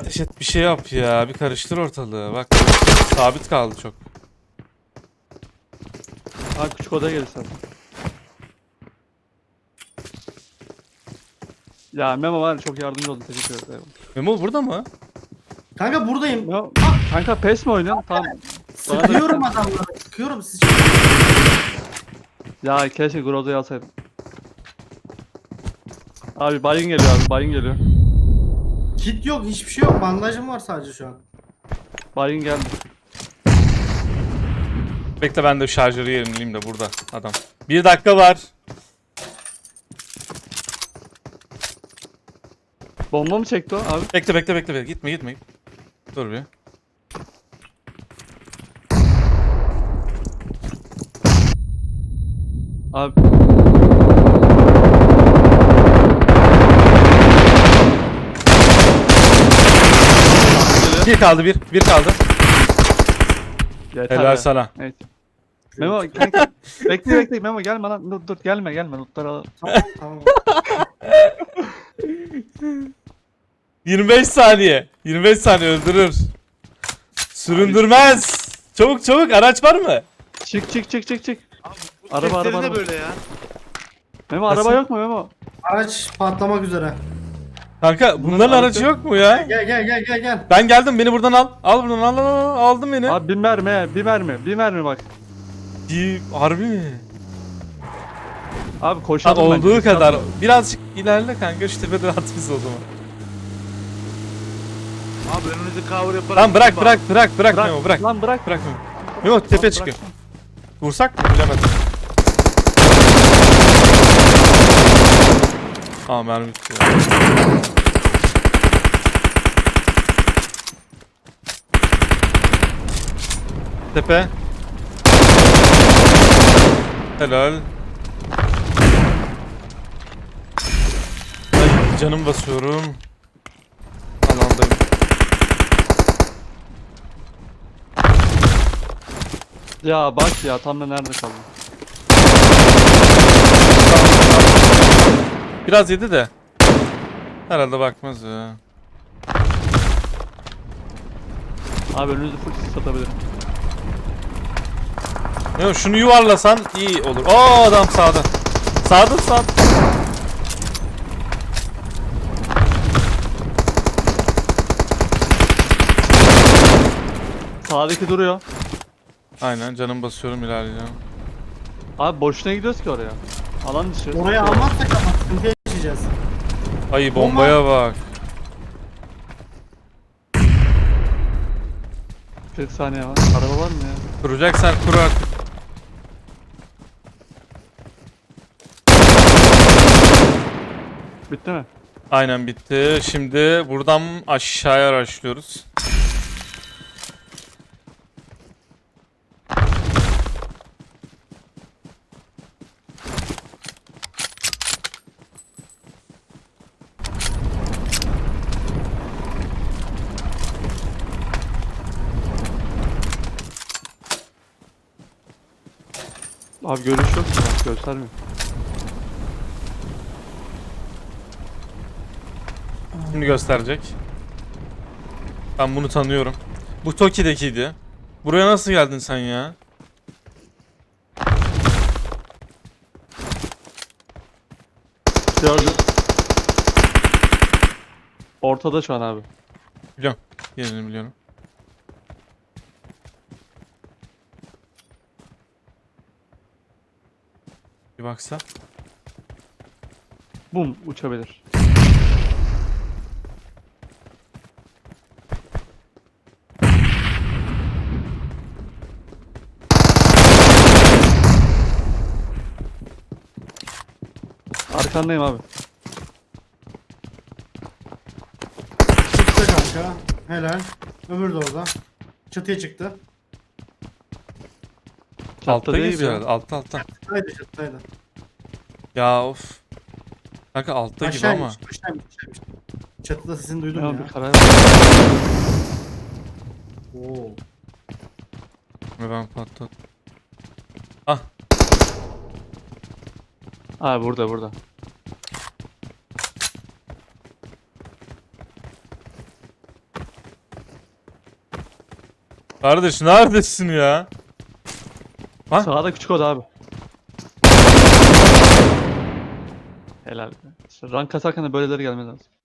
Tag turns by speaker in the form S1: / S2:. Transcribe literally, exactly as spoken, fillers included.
S1: ateş et, bir şey yap ya. Bir karıştır ortalığı. Bak sabit kaldı çok.
S2: Ha küçük odaya gelirsen. Ya Memo var ya, çok yardımcı oldun, teşekkür ederim.
S1: Memo burada mı?
S3: Kanka buradayım.
S2: Memo, kanka pes mi oynuyorsun? Tamam. Bana da
S3: Sıkıyorum
S2: lütfen.
S3: adamları. Sıkıyorum siz.
S2: Ya keşke Groza'yı alsaydım. Abi bayın geliyor abi, bayın geliyor.
S3: Kit yok, hiçbir şey yok. Bandajım var sadece şu an.
S2: Bayın geldi.
S1: Bekle ben de şarjörü yerimleyeyim de burada adam. Bir dakika var.
S2: Bomba mı çekti o abi?
S1: Bekle bekle bekle bekle. Gitme gitme. Dur bir.
S2: Abi
S1: Bir kaldı bir. Bir kaldı.
S2: yeter
S1: Helal
S2: ya.
S1: sana.
S2: Evet. Memo kanka bekle bekle Memo gelme lan, dur dur gelme gelme lootları al.
S3: Tamam tamam.
S1: yirmi beş saniye. yirmi beş saniye öldürür. Süründürmez. Çabuk çabuk araç var mı?
S2: Çık çık çık çık çık.
S4: Abi bu
S2: Araba,
S4: sesleri
S2: araba,
S4: ne
S2: araba.
S4: böyle ya?
S2: Memo
S1: Nasıl?
S2: araba yok mu Memo?
S3: Araç patlamak üzere.
S1: Kanka bunların
S2: aracı-
S1: aracı yok mu ya?
S3: Gel gel gel gel gel.
S1: Ben geldim beni buradan al. Al buradan al al al. Aldım beni.
S2: Abi bir mermi bir mermi bir mermi bak.
S1: İyi, harbi mi?
S2: Abi
S1: Ha,
S2: koşalım bence,
S1: olduğu
S2: biz
S1: kadar.
S2: yapalım.
S1: Birazcık ilerle kanka şu tepeden at bizi o zaman.
S4: Abi önünüzü cover yaparak.
S1: Tamam bırak
S4: gidin
S1: bırak bırak bırak
S2: Bırak
S1: Memo bırak.
S2: lan bırak.
S1: Bırak Memo. Memo tepe
S2: Lan
S1: çıkıyor.
S2: bırak.
S1: Vursak mı? Bilemedim. Aa mermi bitti ya. Tepe. Helal. Ay canım basıyorum. Alandayım.
S2: Ya bak ya tam da nerede kaldı?
S1: Biraz yedi de. Herhalde bakmaz ya.
S2: Abi önünüzü full sis atabilirim.
S1: Ya şunu yuvarlasan iyi olur. Aa adam sağda. Sağda sağda.
S2: Sağdaki duruyor.
S1: Aynen canım basıyorum ilerleyeceğim.
S2: Abi boşuna gidiyoruz ki oraya. Alan dışı.
S3: Oraya almazsak ama sıkıntı yaşayacağız.
S1: Ay bombaya bak.
S2: kırk saniye var. Araba var mı ya?
S1: Kuracaksan kur artık.
S2: Bitti mi?
S1: Aynen bitti. Şimdi buradan aşağıya araştırıyoruz.
S2: Abi görüş yok. Bak göstermiyor.
S1: Şimdi gösterecek. Ben bunu tanıyorum. Bu Toki'dekiydi. Buraya nasıl geldin sen ya?
S2: Gördüm. Ortada şu an abi.
S1: Biliyorum. Yerini biliyorum. Bir baksa.
S2: Bum uçabilir. Arkandayım abi.
S3: Çıktı kanka. Helal. Öbürü de orada. Çatıya çıktı.
S2: Çatıda
S1: Altta
S2: değil
S1: gibi
S2: ya.
S1: herhalde. Altta altta.
S3: Çatıdaydı çatıdaydı.
S1: Ya of. Kanka altta gibi
S3: Aşağı
S1: ama.
S3: inmiş, aşağı inmiş, aşağı inmiş. Çatıda sesini duydum
S2: Ya
S3: ya.
S2: bir karar
S3: Oo.
S1: Ve ben patladım. Ah.
S2: Abi burada burada.
S1: Kardeş neredesin ya? Ha?
S2: Sağda küçük oda abi. Helal. İşte rank kasarken de böyleleri gelmez lazım.